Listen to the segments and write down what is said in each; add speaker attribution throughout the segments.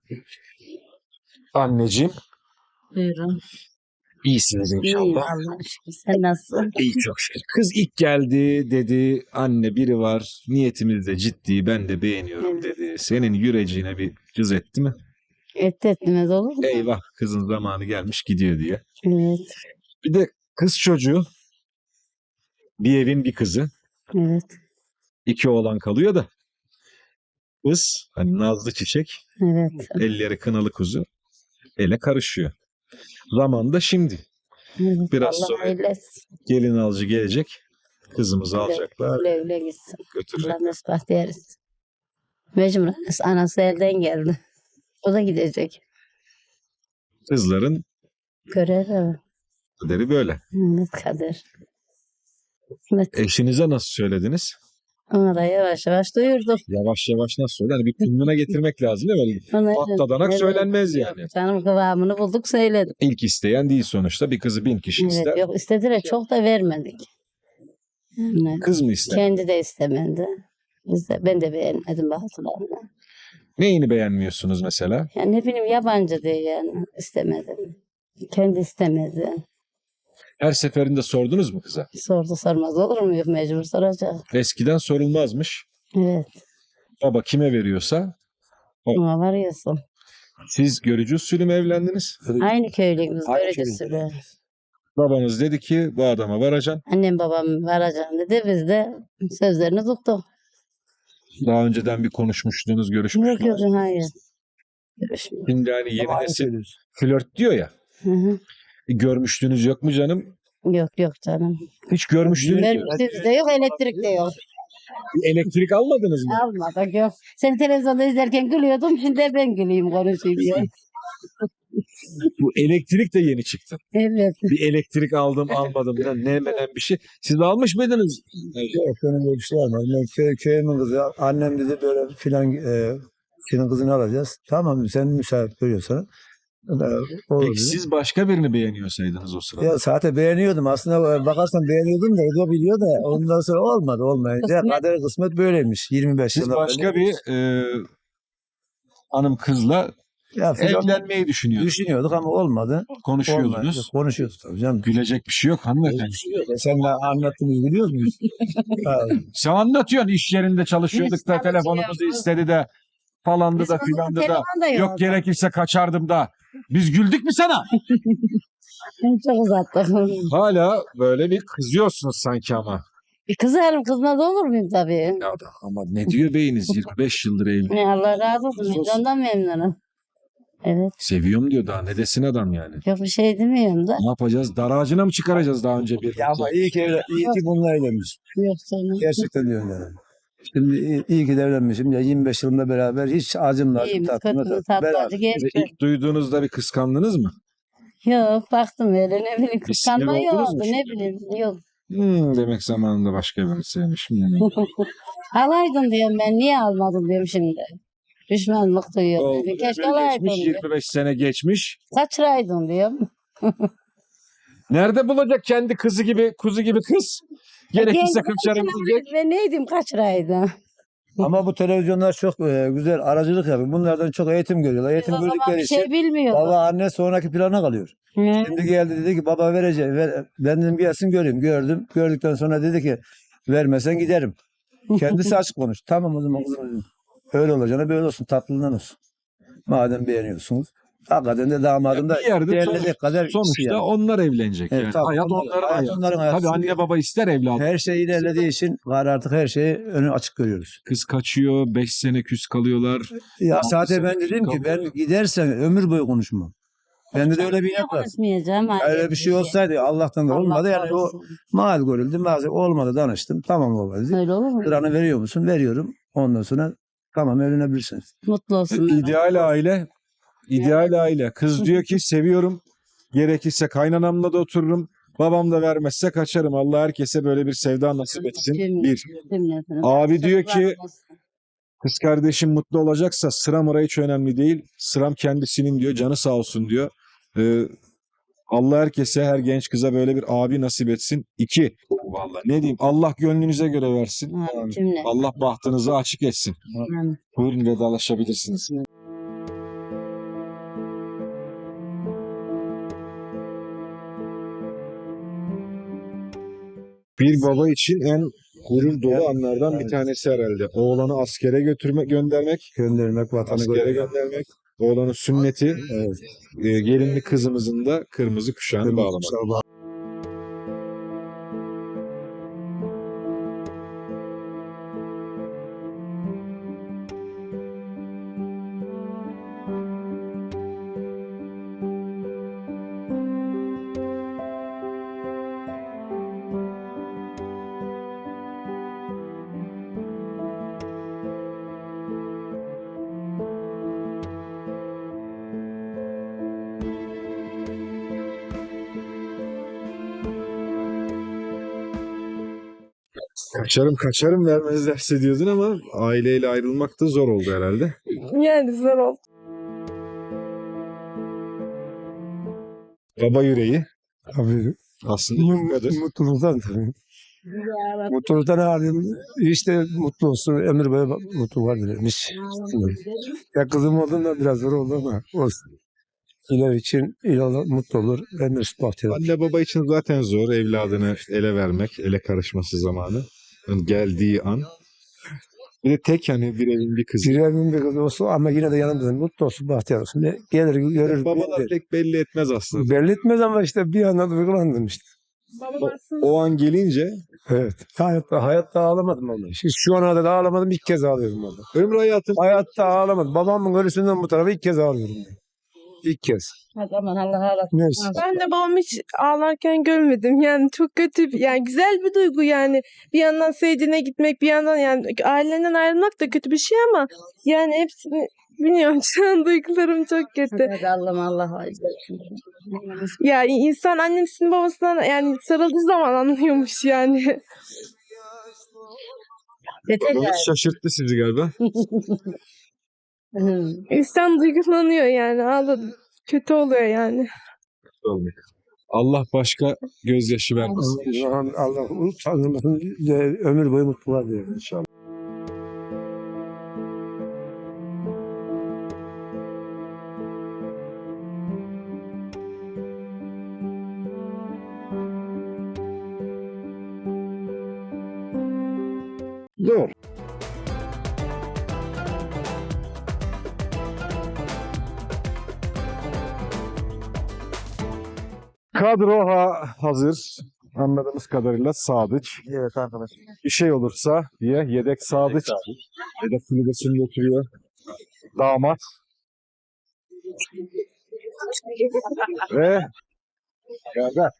Speaker 1: Anneciğim,
Speaker 2: Buyurun.
Speaker 1: iyisiniz
Speaker 2: İyiyim
Speaker 1: inşallah.
Speaker 2: Allah'a şükür. Sen nasılsın?
Speaker 1: İyi çok şükür. Kız ilk geldi dedi, anne biri var, niyetimiz de ciddi, ben de beğeniyorum
Speaker 2: Evet.
Speaker 1: dedi. Senin yüreceğine bir cız etti mi?
Speaker 2: Etmez olur mu?
Speaker 1: Eyvah kızın zamanı gelmiş gidiyor diye.
Speaker 2: Evet.
Speaker 1: Bir de kız çocuğu, bir evin bir kızı,
Speaker 2: Evet.
Speaker 1: 2 oğlan kalıyor da. Kız, hani nazlı çiçek,
Speaker 2: Evet.
Speaker 1: elleri kınalı kuzu, ele karışıyor. Zaman da şimdi.
Speaker 2: Evet.
Speaker 1: Biraz
Speaker 2: Allah
Speaker 1: sonra
Speaker 2: hayırlı etsin.
Speaker 1: gelin alıcı gelecek, kızımızı alacaklar,
Speaker 2: Güle güle gitsin.
Speaker 1: götürecek.
Speaker 2: Allah mesbah deriz. Mecburen anası elden geldi. O da gidecek.
Speaker 1: Kızların
Speaker 2: Görev.
Speaker 1: kaderi böyle.
Speaker 2: Evet kader. Evet.
Speaker 1: Eşinize nasıl söylediniz?
Speaker 2: Ona da yavaş yavaş duyurduk.
Speaker 1: Yavaş yavaş nasıl söyle? Hani bir kınnına getirmek lazım değil mi?
Speaker 2: Ona
Speaker 1: Patladanak
Speaker 2: evet.
Speaker 1: söylenmez
Speaker 2: Yok,
Speaker 1: yani.
Speaker 2: canım kıvamını bulduk söyledik.
Speaker 1: İlk isteyen değil sonuçta. Bir kızı 1000 kişi
Speaker 2: Evet,
Speaker 1: ister.
Speaker 2: yok istediler çok da vermedik. Yani
Speaker 1: Kız mı ister?
Speaker 2: kendi de istemedi. Ben de beğenmedim bazılarını.
Speaker 1: Neyini beğenmiyorsunuz mesela?
Speaker 2: Yani ne bileyim yabancı diye yani istemedim. Kendi istemedi.
Speaker 1: Her seferinde sordunuz mu kıza?
Speaker 2: Sordu sormaz olur mu? Yok mecbur soracak.
Speaker 1: Eskiden sorulmazmış.
Speaker 2: Evet.
Speaker 1: Baba kime veriyorsa.
Speaker 2: Ama varıyorsun.
Speaker 1: Siz görücü usulü mü evlendiniz?
Speaker 2: Aynı köylüyüz.
Speaker 3: Aynı
Speaker 2: Görücüsü.
Speaker 1: Babanız dedi ki bu adama varacaksın.
Speaker 2: Annem babam varacağım dedi. Biz de sözlerini tuttuk.
Speaker 1: Daha önceden bir konuşmuştunuz,
Speaker 2: Yok
Speaker 1: görüşmüştünüz.
Speaker 2: yok hayır. Görüşmüyor.
Speaker 1: Şimdi hani yeni
Speaker 3: Aynı
Speaker 1: nesil
Speaker 3: söylüyorsun.
Speaker 1: flört diyor ya.
Speaker 2: Hı hı.
Speaker 1: Görmüştünüz yok mu canım?
Speaker 2: Yok yok canım.
Speaker 1: Hiç görmüştünüz yok.
Speaker 2: Görmüştük de yok elektrik de yok.
Speaker 1: Elektrik almadınız mı?
Speaker 2: Almadık yok. Seni televizyonda izlerken gülüyordum. Şimdi de ben güleyim konuşayım diye.
Speaker 1: Bu elektrik de yeni çıktı.
Speaker 2: Evet.
Speaker 1: Bir elektrik aldım almadım da ne menen bir şey. Siz almış mıydınız?
Speaker 3: Yok benim böyle bir şey olmaz. Ben köyümün kızı. Annem dedi böyle filan senin kızını alacağız. Tamam sen müsait görüyorsan. Olur
Speaker 1: Peki
Speaker 3: dedi.
Speaker 1: siz başka birini beğeniyorsaydınız o sırada.
Speaker 3: Ya zaten beğeniyordum. Aslında bakarsan beğeniyordum da o da biliyor da ondan sonra olmadı olmayınca.
Speaker 2: Kısmet.
Speaker 3: Kader kısmet böyleymiş. 25
Speaker 1: Siz
Speaker 3: yılda
Speaker 1: başka bir hanım kızla
Speaker 3: ya, filan
Speaker 1: evlenmeyi düşünüyordunuz.
Speaker 3: düşünüyorduk ama olmadı.
Speaker 1: Konuşuyordunuz.
Speaker 3: Olmayınca konuşuyoruz tabii canım.
Speaker 1: Gülecek bir şey yok hanımefendi.
Speaker 3: Sen de anlattığımızı biliyor muyuz? Ha,
Speaker 1: Sen anlatıyorsun iş yerinde çalışıyorduk
Speaker 2: Hiç
Speaker 1: da telefonumuzu
Speaker 2: çalışıyoruz.
Speaker 1: istedi de falandı da
Speaker 2: Bizim
Speaker 1: filandı da.
Speaker 2: telefon da
Speaker 1: Yok gerekirse kaçardım da. Biz güldük mü sana?
Speaker 2: Çok uzattık.
Speaker 1: Hala böyle bir kızıyorsunuz sanki ama.
Speaker 2: Bir kızarım kızmaz olur muyum tabii.
Speaker 1: Ya da ama ne diyor beyiniz 25 yıldır evli.
Speaker 2: Ne Allah razı olsun.
Speaker 1: Sus.
Speaker 2: Ben ondan memnunum. Evet.
Speaker 1: Seviyorum diyor daha ne desin adam yani.
Speaker 2: Yok bir şey demiyorum da.
Speaker 1: Ne yapacağız? Dar ağacına mı çıkaracağız daha önce bir?
Speaker 3: ya ama iyi ki bununla evlenmiş.
Speaker 2: Yok canım.
Speaker 3: Gerçekten diyorum yani. Şimdi iyi ki de evlenmişim. Ya 25 yılında beraber hiç acımla
Speaker 2: İyiyimiz
Speaker 3: tatlımla
Speaker 2: kötümüz tatlıcı geçti.
Speaker 1: İlk duyduğunuzda bir kıskandınız mı?
Speaker 2: Yok baktım öyle ne bileyim
Speaker 1: Bir sinir
Speaker 2: kıskanma
Speaker 1: oldunuz
Speaker 2: yoktu
Speaker 1: mu
Speaker 2: ne
Speaker 1: şimdi?
Speaker 2: bileyim yok.
Speaker 1: Demek zamanında başka birini sevmişim yani.
Speaker 2: Alaydın diyorum ben niye almadım diyorum şimdi. Düşmanlık duyuyorum.
Speaker 1: Oldu.
Speaker 2: Keşke
Speaker 1: Ömür
Speaker 2: alaydın
Speaker 1: geçmiş,
Speaker 2: diyorum.
Speaker 1: 25 sene geçmiş.
Speaker 2: Kaçıraydın diyorum.
Speaker 1: Nerede bulacak kendi kızı gibi, kuzu gibi kız? Gerekirse
Speaker 2: Kendime
Speaker 1: kaçarım diyecek.
Speaker 2: Ben neydim kaçıraydın.
Speaker 3: Ama bu televizyonlar çok güzel aracılık yapıyor. Bunlardan çok eğitim görüyorlar.
Speaker 2: Biz
Speaker 3: Eğitim
Speaker 2: o zaman
Speaker 3: gördükleri
Speaker 2: bir
Speaker 3: için
Speaker 2: şey bilmiyorduk.
Speaker 3: baba anne sonraki plana kalıyor.
Speaker 2: Hı.
Speaker 3: Şimdi geldi dedi ki baba vereceğim. Ben dedim gelsin göreyim. Gördüm. Gördükten sonra dedi ki vermesen giderim. Kendisi açık konuş. Tamam o zaman kızım dedim. Öyle olacağına böyle olsun. Tatlılığından olsun. Madem beğeniyorsunuz. Hakikaten de damadım da
Speaker 1: Bir yerde
Speaker 3: değerlenecek kadar kişi
Speaker 1: sonuçta
Speaker 3: yani.
Speaker 1: onlar evlenecek
Speaker 3: Evet,
Speaker 1: yani.
Speaker 3: tabii,
Speaker 1: Hayat
Speaker 3: onlar-
Speaker 1: onların
Speaker 3: hayat
Speaker 1: hayatı.
Speaker 3: onların hayatı.
Speaker 1: Tabii anne baba ister evladı.
Speaker 3: Her şey ilerlediği için artık her şeyi önü açık görüyoruz.
Speaker 1: Kız kaçıyor, 5 sene küs kalıyorlar.
Speaker 3: Ya
Speaker 1: Altı
Speaker 3: zaten
Speaker 1: sene
Speaker 3: ben dedim ki
Speaker 1: kalıyor.
Speaker 3: ben gidersen ömür boyu konuşmam. Bende de öyle bir
Speaker 2: Niye
Speaker 3: inat var.
Speaker 2: konuşmayacağım?
Speaker 3: Öyle bir şey olsaydı Allah'tan da olmadı yani o mal görüldü. Bazı olmadı danıştım. Tamam baba dedi.
Speaker 2: Öyle olur mu?
Speaker 3: Sıranı veriyor musun? Veriyorum. Ondan sonra tamam evlenebilirsiniz.
Speaker 2: Mutlu olsun.
Speaker 1: İdeal aile, ideal aile. Kız diyor ki seviyorum. Gerekirse kaynanamla da otururum. Babam da vermezse kaçarım. Allah herkese böyle bir sevda nasip etsin. Bir. Abi diyor ki kız kardeşim mutlu olacaksa sıram oraya hiç önemli değil. Sıram kendisinin diyor. Canı sağ olsun diyor. Allah herkese her genç kıza böyle bir abi nasip etsin. 2. Vallahi ne diyeyim Allah gönlünüze göre versin. Allah bahtınızı açık etsin. Buyurun vedalaşabilirsiniz. Bir baba için en gurur dolu anlardan bir tanesi herhalde. Oğlanı askere göndermek,
Speaker 3: Göndermek, vatanı
Speaker 1: askere göndermek, oğlanın sünneti,
Speaker 3: Evet.
Speaker 1: gelinli kızımızın da kırmızı kuşağını bağlamak. Kaçarım vermezlerse diyordun ama aileyle ayrılmak da zor oldu herhalde.
Speaker 4: Yani zor oldu.
Speaker 1: Baba yüreği
Speaker 3: Tabii.
Speaker 1: aslında yufkadır.
Speaker 3: Mutluluktan tabii. Mutluluktan halim işte mutlu olsun. Ömür boyu mutluluk dilemiş. Ya kızım olduğunda biraz zor oldu ama olsun. İler için ileride mutlu olur ve mesut bahtiyar.
Speaker 1: Anne baba için zaten zor evladını ele vermek, ele karışması zamanı. Yani geldiği an. Bir de tek hani bir evin bir kızı.
Speaker 3: Bir evin bir kızı olsun ama yine de yanımızda mutlu olsun, bahtiyar olsun. Ne gelir görür.
Speaker 1: Babalar pek belli etmez aslında.
Speaker 3: Belli etmez ama işte bir anda duygulandım işte.
Speaker 4: Babam aslında
Speaker 1: O an gelince
Speaker 3: Evet. Hayatta ağlamadım vallahi. Şu ana kadar ağlamadım, ilk kez ağlıyorum vallahi.
Speaker 1: ömrü hayatım
Speaker 3: Hayatta ağlamadım. Babamın ölüsünden bu tarafa ilk kez ağlıyorum. İlk kez.
Speaker 2: Aman Allah Allah.
Speaker 3: Neyse.
Speaker 4: ben de babamı hiç ağlarken görmedim. Yani çok kötü, yani güzel bir duygu yani. Bir yandan sevdiğine gitmek, bir yandan yani ailenden ayrılmak da kötü bir şey ama yani hepsini bilmiyorum, şu an duygularım çok kötü.
Speaker 2: Allah'ım Allah.
Speaker 4: Ya insan annesinin babasından yani sarıldığı zaman anlıyormuş yani.
Speaker 2: Yeter ya.
Speaker 1: babanız şaşırttı sizi galiba.
Speaker 4: İnsan duygulanıyor yani, ağladı. Kötü oluyor yani.
Speaker 1: Allah başka gözyaşı vermesin.
Speaker 3: Allah tanrımasın ömür boyu mutluluğa diyor inşallah.
Speaker 1: Zor. Kadro hazır. Anladığımız kadarıyla Sadıç.
Speaker 3: Evet arkadaş.
Speaker 1: Bir şey olursa diye yedek Sadıç. Yedek kulübesini götürüyor. Damat. Ve Gaga.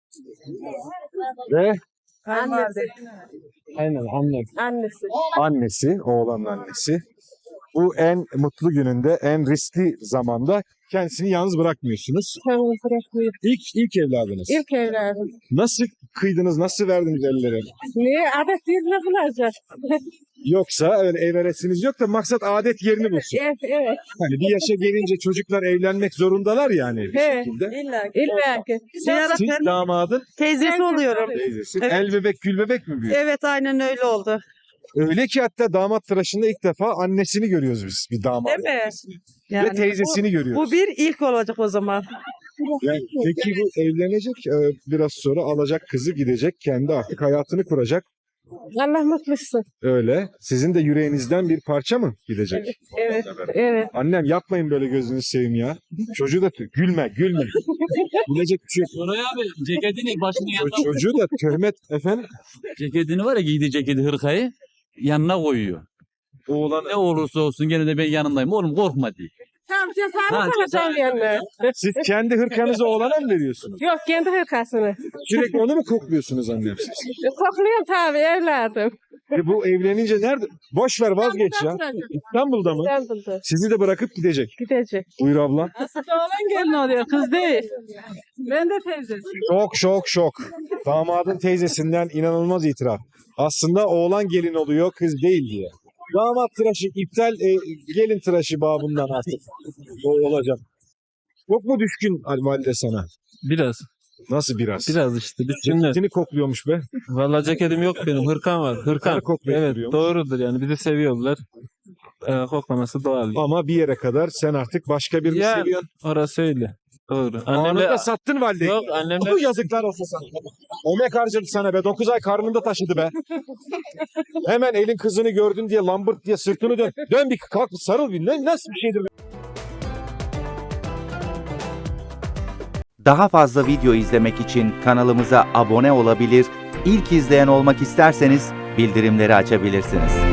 Speaker 1: Ve
Speaker 4: Annesi.
Speaker 1: aynen
Speaker 4: Annesi.
Speaker 1: annesi, oğlanın annesi. Bu en mutlu gününde, en riskli zamanda kendisini yalnız bırakmıyorsunuz.
Speaker 4: Kendini bırakmıyor.
Speaker 1: İlk evladınız.
Speaker 4: İlk evladım.
Speaker 1: Nasıl kıydınız, nasıl verdiniz ellere?
Speaker 4: Niye? Adet yerine bulacak.
Speaker 1: Yoksa öyle ev arasınız yok da maksat adet yerini bulsun.
Speaker 4: Evet, evet.
Speaker 1: Hani bir yaşa gelince çocuklar evlenmek zorundalar yani bir
Speaker 4: Evet.
Speaker 1: şekilde.
Speaker 4: İlla ki.
Speaker 1: Siz damadın
Speaker 5: Teyzesi oluyorum.
Speaker 1: teyzesi.
Speaker 5: Evet.
Speaker 1: El bebek gül bebek mi büyüyor?
Speaker 5: Evet aynen öyle oldu.
Speaker 1: Öyle ki hatta damat tıraşında ilk defa annesini görüyoruz biz. Bir damat
Speaker 5: Değil mi?
Speaker 1: annesini.
Speaker 5: Yani
Speaker 1: Ve teyzesini görüyoruz.
Speaker 5: bu bir ilk olacak o zaman.
Speaker 1: Yani peki bu evlenecek biraz sonra alacak kızı gidecek kendi artık hayatını kuracak.
Speaker 4: Allah mutlusun.
Speaker 1: Öyle. Sizin de yüreğinizden bir parça mı gidecek?
Speaker 4: Evet. Evet.
Speaker 1: Annem yapmayın böyle gözünü seveyim ya. Çocuğu da gülme. Gülecek bir şey yok.
Speaker 6: Koray abi ceketini başını yanına
Speaker 1: Çocuğu da töhmet efendim.
Speaker 6: ceketini var ya giydiği ceketi hırkayı yanına koyuyor.
Speaker 1: Oğlan
Speaker 6: Ne olursa olsun gene de ben yanındayım. Oğlum korkma diye.
Speaker 4: Tam
Speaker 6: Ha,
Speaker 4: cesaret alacağım yanına.
Speaker 1: siz kendi hırkanızı oğlana mı veriyorsunuz?
Speaker 4: Yok, kendi hırkasını.
Speaker 1: Sürekli onu mu kokluyorsunuz annem siz?
Speaker 4: Kokluyorum tabii evladım.
Speaker 1: Bu evlenince nerede? Boş ver vazgeç ya. İstanbul'da mı?
Speaker 4: İstanbul'da.
Speaker 1: Sizi de bırakıp gidecek.
Speaker 4: Gidecek.
Speaker 1: Buyur ablam.
Speaker 4: Oğlan gelin oluyor, kız değil. Ben de teyzesi.
Speaker 1: Şok. Damadın teyzesinden inanılmaz itiraf. Aslında oğlan gelin oluyor, kız değil diye. Damat tıraşı iptal, gelin tıraşı babından artık. O olacak. Çok mu düşkün valide sana?
Speaker 7: Biraz.
Speaker 1: Nasıl biraz?
Speaker 7: Biraz işte. Şimdi
Speaker 1: Ceketini kokluyormuş be.
Speaker 7: vallahi ceketim yok benim. Hırkam var. Hırkam.
Speaker 1: koklayıp
Speaker 7: Evet
Speaker 1: duruyormuş.
Speaker 7: doğrudur yani. Bizi seviyorlar. Koklaması doğal.
Speaker 1: Ama bir yere kadar sen artık başka birini
Speaker 7: Yani.
Speaker 1: seviyorsun.
Speaker 7: Orası öyle. Doğru.
Speaker 1: Annemle sattın valideyi.
Speaker 7: Yok annemle
Speaker 1: Bu yazıklar olsun sana. Emek harcadı sana be. 9 ay karnında taşıdı be. Hemen elin kızını gördün diye lambırt diye sırtını dön. Dön bir kalk sarıl bir. Nasıl bir şeydir?
Speaker 8: Daha fazla video izlemek için kanalımıza abone olabilir, ilk izleyen olmak isterseniz bildirimleri açabilirsiniz.